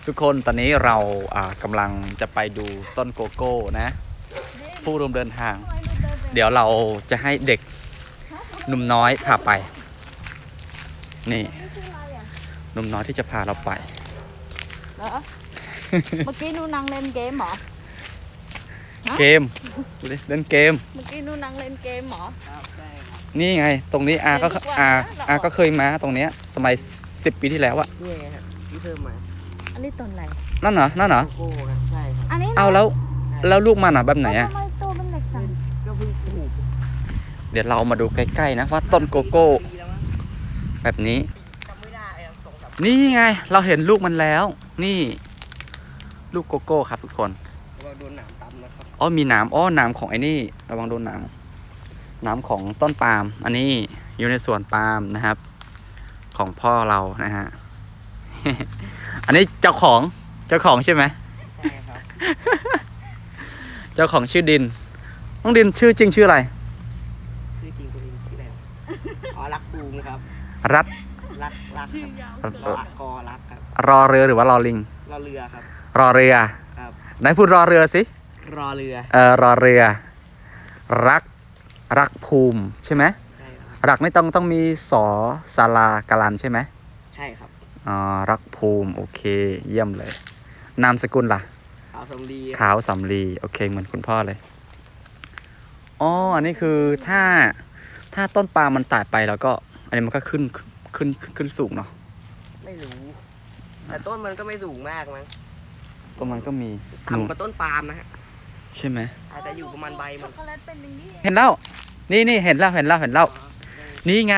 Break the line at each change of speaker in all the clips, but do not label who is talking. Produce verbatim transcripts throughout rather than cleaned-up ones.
ทุกคนตอนนี้เราอ่ากำลังจะไปดูต้นโกโก้นะผู้ร่วมเดินทาง เดี๋ยวเราจะให้เด็กหนุ่มน้อยพาไปนี่หนุ่มน้อยที่จะพาเราไป
เหรอ เมื่อกี้นูนั่งเล่นเกมเหรอ
เกมดูดิเล่นเกม
เมื่อกี้นูนั่งเล่นเกมเหรอ
นี่ไงตรงนี้อาก็
เล่นทุกวัน
อา
นะเรา
อาก็เคยมาตรงเนี้ยสมัยสิบปีที่แล้วอะ
นี่ไงครับที่เพิ่มมา
อันนี้ต้นอะไร
นั่นเหรอนั่นเหรอ
โกโก้ครับใช่ครับ
อันนี้นะ
เอาแล้วแล้วลูกมันอ่ะแบบไหนอะ
ทำไมตัวมันเล็กจัง
ก็เพิ่งปลูก
เดี๋ยวเรามาดูใกล้ๆนะว่าต้นโกโก้
ปีแล้วมั้ง
แบบนี้
จำไม่ได้อะสองสาม
นี่ไงเราเห็นลูกมันแล้ว นี่ ลูกโกโก้ครับทุกคน
เราโดนหนามตำนะครับ
อ๋อมีหนามอ๋อหนามของไอ้นี่ระวังโดนหนามหนามของต้นปาล์มอันนี้อยู่ในสวนปาล์มนะครับ ของพ่อเรานะฮะ อันนี้เจ้าของเจ้าของใช่ไหม
ใช่ครับ
เจ้าของชื่อดินน้องดินชื่อจริงชื่ออะไร
ชื่อจริงตัวเองชื่ออะไรวะอ๋อรักภูมิครับ
รัฐ
รักรักครับรักกอรักครับ
รอเรือหรือว่ารอลิง
รอเรือครับ
รอเรือ
ครับ
ไหนพูดรอเรือสิ
รอเรือ
เออรอเรือ รักรักภูมิใช่ไหม
ใช่ครับ
รักไม่ต้องต้องมีสอศาลากาลันใช่ไหม
ใช่ครับ
อ๋อรักภูมิโอเค เยี่ยมเลย นามสกุลล่ะ
ขาวสำลี
ขาวสำลีโอเคเหมือนคุณพ่อเลยอ๋ออันนี้คือถ้าถ้าต้นปาล์มมันตายไปแล้วก็ อันนี้มันก็ขึ้นขึ้นขึ้นขึ้นสูงเนาะ
ไม่รู้ แต่ต้นมันก็ไม่สูงมากมั้ง
ตรงนั้นก็มีนู่น
ต่ำกว่าต้นปาล์มนะฮะ
ใช่ไหม
อาจจะอยู่ประมาณใบ
ช็
มั
อน กโกแลตเป็นอย่างนี้
เห็นแล้วนี่นี่เห็นแล้วเห็นแล้วเห็นแล้วนี่ไง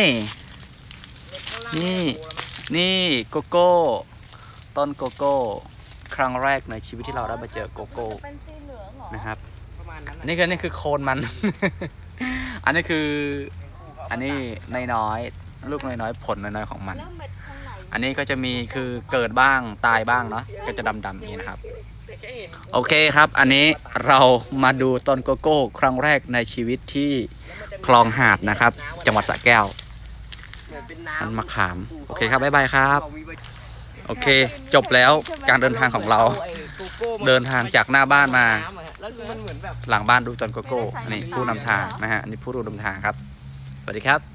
นี่ นี่โกโก้ ต้นโกโก้ ครั้งแรกในชีวิตที่เราได้มาเจอโกโก้
มันจะเป็นสีเหลืองเหรอ
นะครับ
ประมาณนั้น
อันนี้คืออันนี่คือโคนมัน อันนี้คือ อันนี้น้อยๆลูกน้อยๆผลน้อยๆของมัน
แล้วเม็ดข้างใน
อันนี้ก็จะมีคือเกิดบ้างตายบ้างเนาะก็จะดำๆอย่างนี้นะครับ
แต่แค่เห็น
โอเคครับ อันนี้เรามาดูต้นโกโก้ ครั้งแรกในชีวิตที่คลองหาดนะครับ จังหวัดสระแก้ว
เหมือนเป็น
อัน
น้ำ
มะขาม โอเคครับบ๊ายบายครับ
บอกมีใบ
โอเค จบแล้วการเดินทางของเรา เดินทางจากหน้าบ้านมา
แล้วคือมันเหมือนแบบ
หลังบ้านดูต้นโกโก้อันนี้ผู้นำทางนะฮะอันนี้ผู้ร่วมเดินทางครับ สวัสดีครับ